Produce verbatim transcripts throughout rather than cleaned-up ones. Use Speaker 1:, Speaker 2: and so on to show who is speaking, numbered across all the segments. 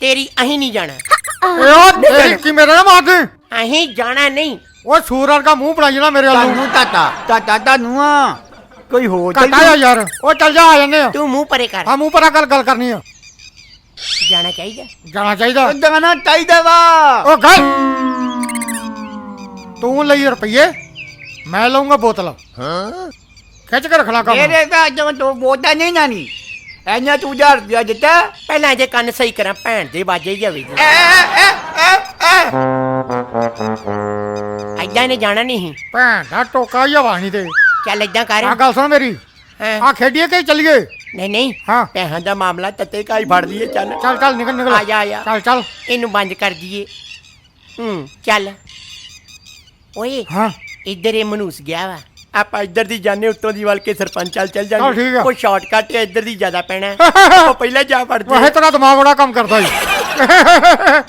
Speaker 1: तेरी अहीं नहीं जाना।
Speaker 2: की मेरे ना मार दे।
Speaker 1: अहीं जाना नहीं।
Speaker 2: वो सूरर का मुंह बनाई ना मेरे
Speaker 3: तानू ताता ताता तानू कोई हो
Speaker 2: चल यार वो चल जा आ जाने
Speaker 1: तू मुंह परे कर।
Speaker 2: हां मुंह पर गल गल करनी है।
Speaker 1: जाना चाहिए
Speaker 2: जाना चाहिए
Speaker 3: जाना चाहिए वा
Speaker 2: ओ गल तू लई रुपये मैं लऊंगा बोतल। हां खिच के रखना काम
Speaker 3: मेरे का जो तो बोता नहीं नानी ऐना तू जा दिया देता
Speaker 1: पहला जे कान सही करा भैन दे बाजे जावे ऐदा ने जाना नहीं
Speaker 2: भैन दा टोका ही हवा नहीं दे।
Speaker 1: चल ऐदा कर
Speaker 2: आ गल सुन मेरी आ खेडिए के चलिए।
Speaker 1: नहीं नहीं
Speaker 2: हाँ
Speaker 1: पैसा दा मामला तते का ही फड़ दिए। चल
Speaker 2: चल चल निकल निकल
Speaker 1: आ जा आ जा
Speaker 2: चल चल
Speaker 1: इनू बंद कर दिए। हम्म चल ओए
Speaker 2: हाँ
Speaker 1: इधर ये मनूस गया वा आप इधर दी जाने उत्तों दी वाल के सरपंच चल चल
Speaker 2: चल ठीक
Speaker 1: जाने
Speaker 2: है।
Speaker 1: कोई शॉर्टकट है इधर दी ज्यादा पैना है वो पहले जा पड़ते
Speaker 2: वह तेरा दिमाग बड़ा कम करता ही।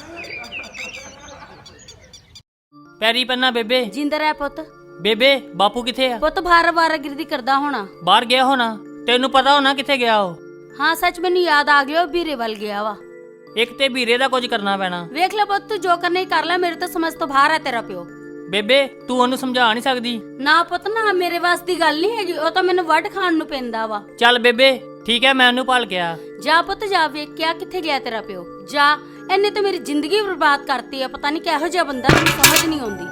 Speaker 4: ਪੈਰੀ ਪੰਨਾ ਬੇਬੇ
Speaker 5: ਜਿੰਦਰ ਹੈ ਪੁੱਤ।
Speaker 4: ਬੇਬੇ ਬਾਪੂ ਕਿੱਥੇ ਆ?
Speaker 5: ਪੁੱਤ ਬਾਰ ਬਾਰ ਗਿਰਦੀ ਕਰਦਾ ਹੋਣਾ।
Speaker 4: ਬਾਹਰ ਗਿਆ ਹੋਣਾ। ਤੈਨੂੰ ਪਤਾ ਹੋਣਾ ਕਿੱਥੇ ਗਿਆ ਉਹ?
Speaker 5: ਹਾਂ ਸੱਚ ਮੈਨੂੰ ਯਾਦ ਆ ਗਿਆ ਉਹ ਵੀਰੇ ਵੱਲ ਗਿਆ ਵਾ।
Speaker 4: ਇੱਕ ਤੇ ਵੀਰੇ ਦਾ ਕੁਝ ਕਰਨਾ ਪੈਣਾ।
Speaker 5: ਵੇਖ ਲੈ ਪੁੱਤ ਤੂੰ ਜੋ ਕਰਨਾ ਹੀ ਕਰ ਲੈ ਮੇਰੇ ਤੋਂ ਸਮਝ ਤੋਂ ਬਾਹਰ ਹੈ ਤੇਰਾ ਪਿਓ।
Speaker 4: ਬੇਬੇ ਤੂੰ ਉਹਨੂੰ ਸਮਝਾ ਨਹੀਂ ਸਕਦੀ?
Speaker 5: ਨਾ ਪੁੱਤ ਨਾ ਮੇਰੇ ਵਾਸ ਦੀ ਗੱਲ ਨਹੀਂ ਹੈਗੀ ਉਹ ਤਾਂ ਮੈਨੂੰ ਵੱਢ ਖਾਣ ਨੂੰ ਪੈਂਦਾ ਵਾ।
Speaker 4: ਚੱਲ ਬੇਬੇ ਠੀਕ ਹੈ ਮੈਂ ਉਹਨੂੰ ਭਾਲ ਕੇ ਆ।
Speaker 5: ਜਾ ਪੁੱਤ ਜਾ ਵੇਖ ਕਿਆ ਕਿੱਥੇ ਗਿਆ ਤੇਰਾ ਪਿਓ। ਜਾ ਇਹਨੇ ਤਾਂ ਮੇਰੀ ਜ਼ਿੰਦਗੀ ਬਰਬਾਦ ਕਰਤੀ ਆ ਪਤਾ ਨਹੀਂ ਕਿਹੋ ਜਿਹਾ ਬੰਦਾ ਮੈਨੂੰ ਸਮਝ ਨਹੀਂ ਆਉਂਦੀ।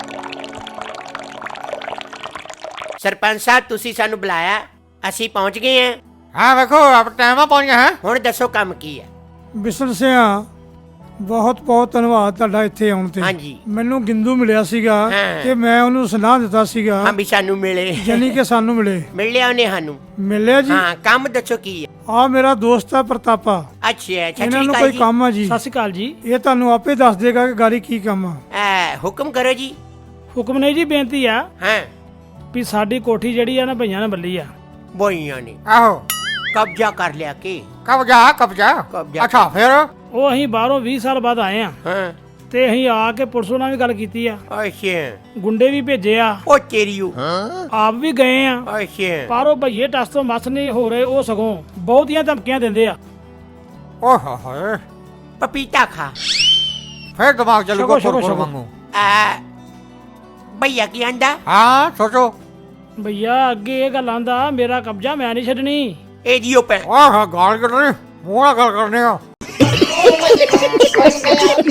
Speaker 1: सरपंच साहब तुसी सानू बुलाया असी पहुंच गए हैं।
Speaker 2: हाँ देखो अब टाइम पहुंच गया है।
Speaker 1: हुण दसो काम की है।
Speaker 6: ਬਿਸ਼ਨ ਸਿਆ ਬਹੁਤ ਬਹੁਤ ਧੰਨਵਾਦ ਤੁਹਾਡਾ ਇੱਥੇ ਆਉਣ ਤੇ।
Speaker 1: ਹਾਂਜੀ
Speaker 6: ਮੈਨੂੰ ਗਿੰਦੂ ਮਿਲਿਆ ਸੀਗਾ
Speaker 1: ਹਾਂ।
Speaker 6: ਕਿ ਮੈਂ ਉਹਨੂੰ ਸੁਨਾਹ ਦਿੱਤਾ ਸੀਗਾ
Speaker 1: हम भी सानू मिले
Speaker 6: ਜਾਨੀ ਕਿ ਸਾਨੂੰ ਮਿਲੇ
Speaker 1: मिल लिया उन्हें सानू।
Speaker 6: ਮਿਲਿਆ ਜੀ।
Speaker 1: हाँ काम दसो की है।
Speaker 6: ਆ ਮੇਰਾ ਦੋਸਤ ਆ ਪ੍ਰਤਾਪਾ
Speaker 1: अच्छा अच्छा
Speaker 6: ਇਹਨਾਂ
Speaker 1: ठीक
Speaker 6: ਨੂੰ
Speaker 1: है
Speaker 6: ਕੋਈ
Speaker 1: जी।
Speaker 6: ਕੰਮ ਆ ਜੀ।
Speaker 7: ਸਤਿ ਸ਼੍ਰੀ ਅਕਾਲ ਜੀ।
Speaker 6: ਇਹ ਤੁਹਾਨੂੰ ਆਪੇ ਦੱਸ ਦੇਗਾ ਕਿ ਗਾੜੀ ਕੀ ਕੰਮ ਆ।
Speaker 1: आ, हुक्म करो जी।
Speaker 7: ਹੁਕਮ ਨਹੀਂ ਜੀ ਬੇਨਤੀ ਆ
Speaker 1: हाँ
Speaker 7: ਵੀ ਸਾਡੀ ਕੋਠੀ ਜਿਹੜੀ ਆ ਨਾ ਭਈਆਂ ਨੇ ਬੱਲੀ ਆ।
Speaker 1: बोइया ने
Speaker 2: आहो
Speaker 1: कब्जा कर लिया के
Speaker 2: कब्जा कब्जा
Speaker 1: कब्जा।
Speaker 2: अच्छा फिर
Speaker 7: ਉਹ ਅਸੀਂ ਬਾਹਰੋਂ ਵੀਹ ਸਾਲ ਬਾਅਦ ਆਏ ਆ
Speaker 1: हाँ
Speaker 7: ਤੇ ਅਸੀਂ ਆ ਕੇ ਪੁਲਿਸ ਨਾਲ ਵੀ ਗੱਲ ਕੀਤੀ ਆ
Speaker 1: अच्छा
Speaker 7: ਗੁੰਡੇ ਵੀ ਭੇਜੇ ਆ
Speaker 1: ओ तेरियो
Speaker 7: ਆਪ ਵੀ ਗਏ ਆ
Speaker 1: अच्छा
Speaker 7: ਪਰ ਉਹ ਭਈਏ ਟਸ ਤੋਂ ਮਸ ਨਹੀਂ ਹੋ ਰਹੇ ਉਹ ਸਗੋਂ ਬਹੁਤੀਆਂ ਧਮਕੀਆਂ ਦਿੰਦੇ ਆ।
Speaker 2: ओह होए
Speaker 1: पपीता खा।
Speaker 2: फिर दिमाग चलूगा
Speaker 7: शको, शको,
Speaker 2: फुर
Speaker 7: शको।
Speaker 2: वांगू।
Speaker 1: आ भैया की अंडा
Speaker 2: हाँ सोचो
Speaker 7: ਭਈਆ ਅੱਗੇ ਇਹ ਗੱਲ ਆਂਦਾ ਮੇਰਾ ਕਬਜ਼ਾ ਮੈਂ ਨਹੀਂ ਛੱਡਣੀ।
Speaker 1: एडियो पे
Speaker 2: ओह गाल कर रहे मुंह ना गल करने का।